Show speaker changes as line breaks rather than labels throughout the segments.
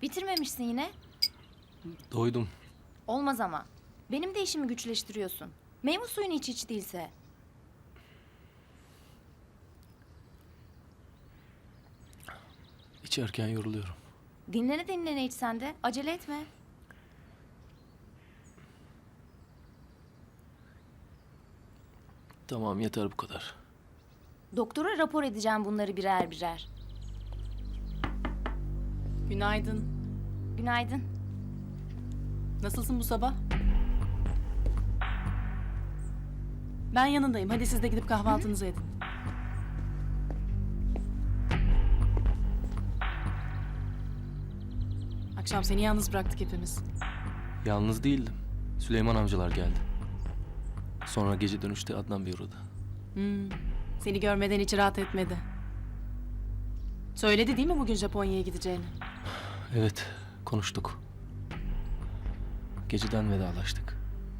Bitirmemişsin yine.
Doydum.
Olmaz ama. Benim de işimi güçleştiriyorsun. Meyve suyunu iç hiç değilse.
İçerken yoruluyorum.
Dinlene dinlene iç sen de. Acele etme.
Tamam, yeter bu kadar.
Doktora rapor edeceğim bunları birer birer.
Günaydın.
Günaydın.
Nasılsın bu sabah? Ben yanındayım. Hadi siz de gidip kahvaltınızı edin. Akşam seni yalnız bıraktık hepimiz.
Yalnız değildim. Süleyman amcalar geldi. Sonra gece dönüşte Adnan Bey uğradı.
Seni görmeden hiç rahat etmedi. Söyledi değil mi bugün Japonya'ya gideceğini?
Evet, konuştuk. Geceden vedalaştık.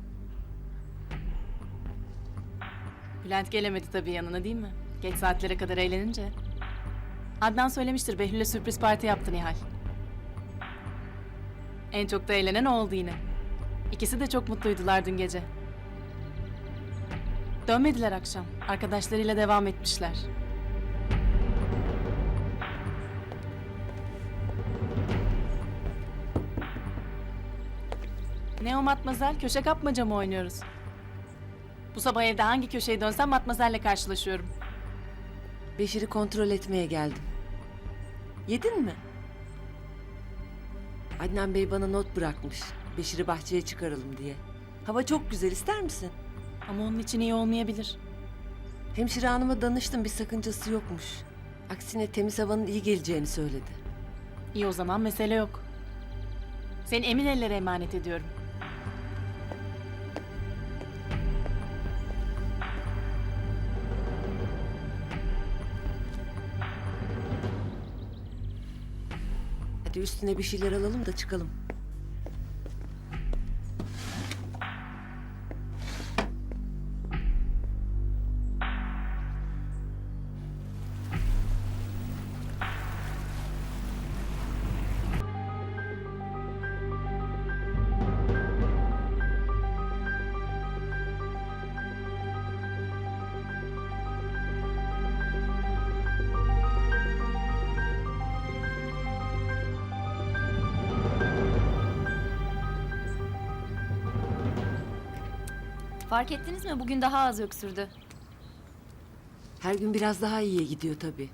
Bülent gelemedi tabii yanına değil mi? Geç saatlere kadar eğlenince. Adnan söylemiştir, Behlül'e sürpriz parti yaptı Nihal. En çok da eğlenen o oldu yine. İkisi de çok mutluydular dün gece. Dönmediler akşam. Arkadaşlarıyla devam etmişler. Ne o Matmazel? Köşe kapmaca mı oynuyoruz? Bu sabah evde hangi köşeye dönsem Matmazel'le karşılaşıyorum.
Beşir'i kontrol etmeye geldim. Yedin mi? Adnan Bey bana not bırakmış. Beşir'i bahçeye çıkaralım diye. Hava çok güzel, ister misin?
Ama onun için iyi olmayabilir.
Hemşire hanıma danıştım, bir sakıncası yokmuş. Aksine temiz havanın iyi geleceğini söyledi.
İyi o zaman mesele yok. Seni emin ellere emanet ediyorum.
Hadi üstüne bir şeyler alalım da çıkalım.
Fark ettiniz mi? Bugün daha az öksürdü.
Her gün biraz daha iyiye gidiyor tabii.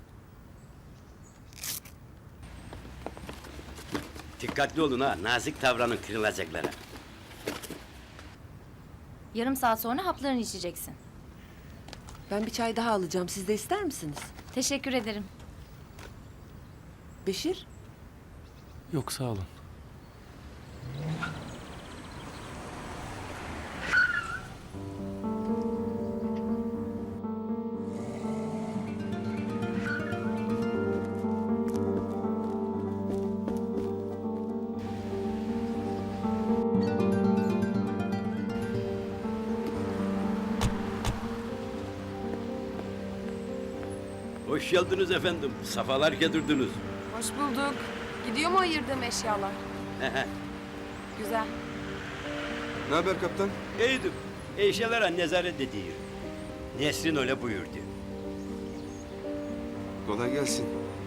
Dikkatli olun ha, nazik davranın kırılacaklara.
Yarım saat sonra haplarını içeceksin.
Ben bir çay daha alacağım. Siz de ister misiniz?
Teşekkür ederim.
Beşir,
Yok, sağ olun.
Hoş geldiniz efendim, safalar getirdiniz.
Hoş bulduk. Gidiyor mu ayırdığım eşyalar? Güzel.
Ne haber kaptan?
İyidir, eşyalara nezaret ediyor. Nesrin öyle buyurdu.
Kolay gelsin.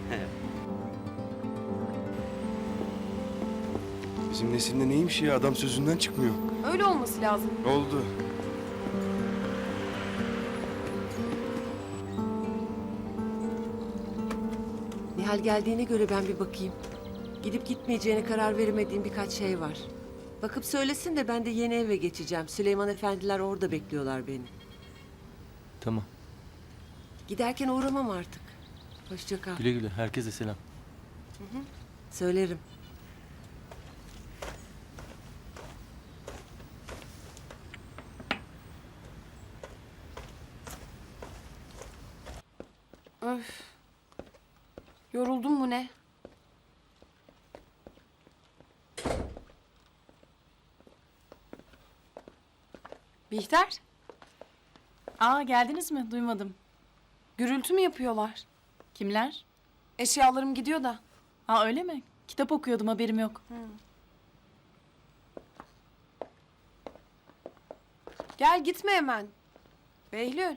Bizim nesilde neymiş ya, adam sözünden çıkmıyor.
Öyle olması lazım.
Oldu.
Nihal geldiğine göre ben bir bakayım. Gidip gitmeyeceğine karar veremediğim birkaç şey var. Bakıp söylesin de ben de yeni eve geçeceğim. Süleyman efendiler orada bekliyorlar beni.
Tamam.
Giderken uğramam artık. Hoşça kal.
Güle güle. Herkese selam.
Söylerim.
Öf. Yoruldun mu ne? Bihter,
Aa, geldiniz mi? Duymadım.
gürültü mü yapıyorlar?
Kimler?
Eşyalarım gidiyor da.
Aa, öyle mi? Kitap okuyordum, haberim yok.
Gel gitme hemen. Behlül.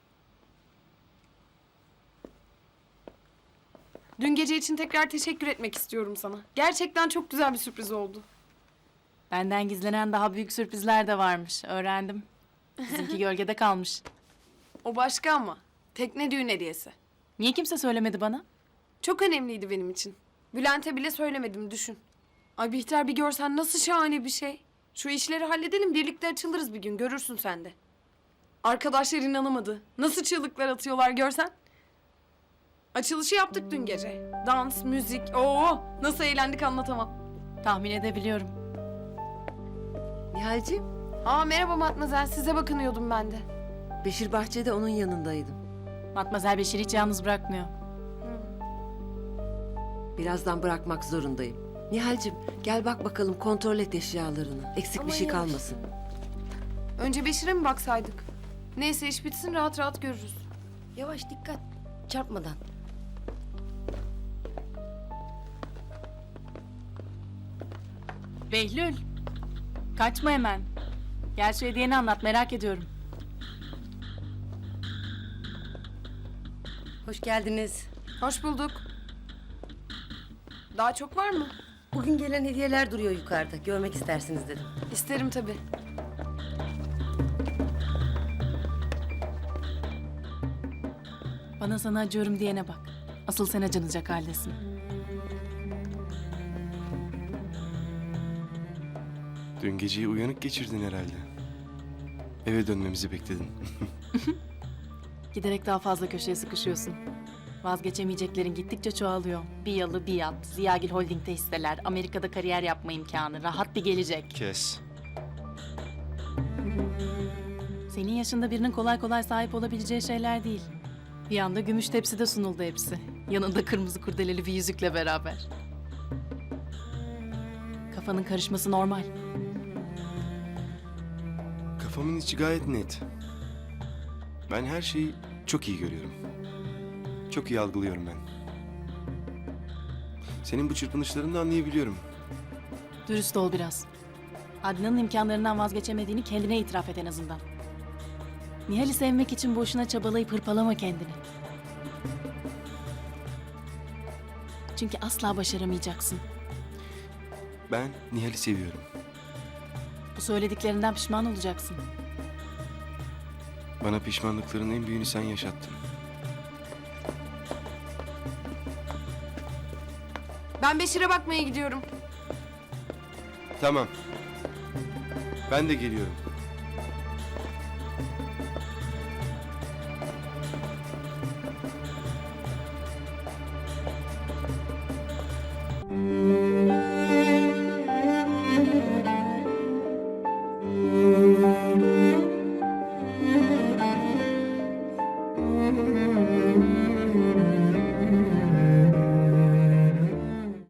Dün gece için tekrar teşekkür etmek istiyorum sana. Gerçekten çok güzel bir sürpriz oldu.
Benden gizlenen daha büyük sürprizler de varmış. Öğrendim. Bizimki gölgede kalmış.
O başka ama. Tekne düğün hediyesi.
Niye kimse söylemedi bana?
Çok önemliydi benim için. Bülent'e bile söylemedim, düşün. Ay Bihter, bir görsen nasıl şahane bir şey. Şu işleri halledelim, birlikte açılırız bir gün, görürsün sen de. Arkadaşlar inanamadı. Nasıl çığlıklar atıyorlar görsen. Açılışı yaptık dün gece. Dans, müzik, oo nasıl eğlendik anlatamam.
Tahmin edebiliyorum.
Nihal'ciğim,
Aa merhaba Matmazel, size bakınıyordum ben de.
Beşir bahçede onun yanındaydım.
Matmazel Beşir'i hiç yalnız bırakmıyor.
Birazdan bırakmak zorundayım. Nihal'ciğim gel bak bakalım, kontrol et eşyalarını. Eksik
Aman
bir şey
yavaş.
kalmasın.
Önce Beşir'e mi baksaydık? Neyse iş bitsin, rahat rahat görürüz.
Yavaş, dikkat. Çarpmadan.
Behlül. Kaçma hemen. Gel şu hediyeni anlat, merak ediyorum.
Hoş geldiniz.
Hoş bulduk. Daha çok var mı?
Bugün gelen hediyeler duruyor yukarıda. Görmek istersiniz dedim.
İsterim tabii.
Bana sana acıyorum diyene bak. Asıl sen acınacak haldesin.
Dün geceyi uyanık geçirdin herhalde. Eve dönmemizi bekledin.
Giderek daha fazla köşeye sıkışıyorsun. Vazgeçemeyeceklerin gittikçe çoğalıyor. Bir yalı bir yat, Ziyagil Holding'de hisseler, Amerika'da kariyer yapma imkanı, rahat bir gelecek.
Kes.
Senin yaşında birinin kolay kolay sahip olabileceği şeyler değil. Bir anda gümüş tepside sunuldu hepsi. Yanında kırmızı kurdeleli bir yüzükle beraber. Kafanın karışması normal.
Kafamın içi gayet net. Ben her şeyi çok iyi görüyorum. Çok iyi algılıyorum ben. Senin bu çırpınışlarını da anlayabiliyorum.
Dürüst ol biraz. Adnan'ın imkanlarından vazgeçemediğini kendine itiraf et en azından. Nihal'i sevmek için boşuna çabalayıp hırpalama kendini. Çünkü asla başaramayacaksın.
Ben Nihal'i seviyorum.
Bu söylediklerinden pişman olacaksın.
Bana pişmanlıkların en büyüğünü sen yaşattın.
Ben Beşir'e bakmaya gidiyorum.
Tamam. Ben de geliyorum.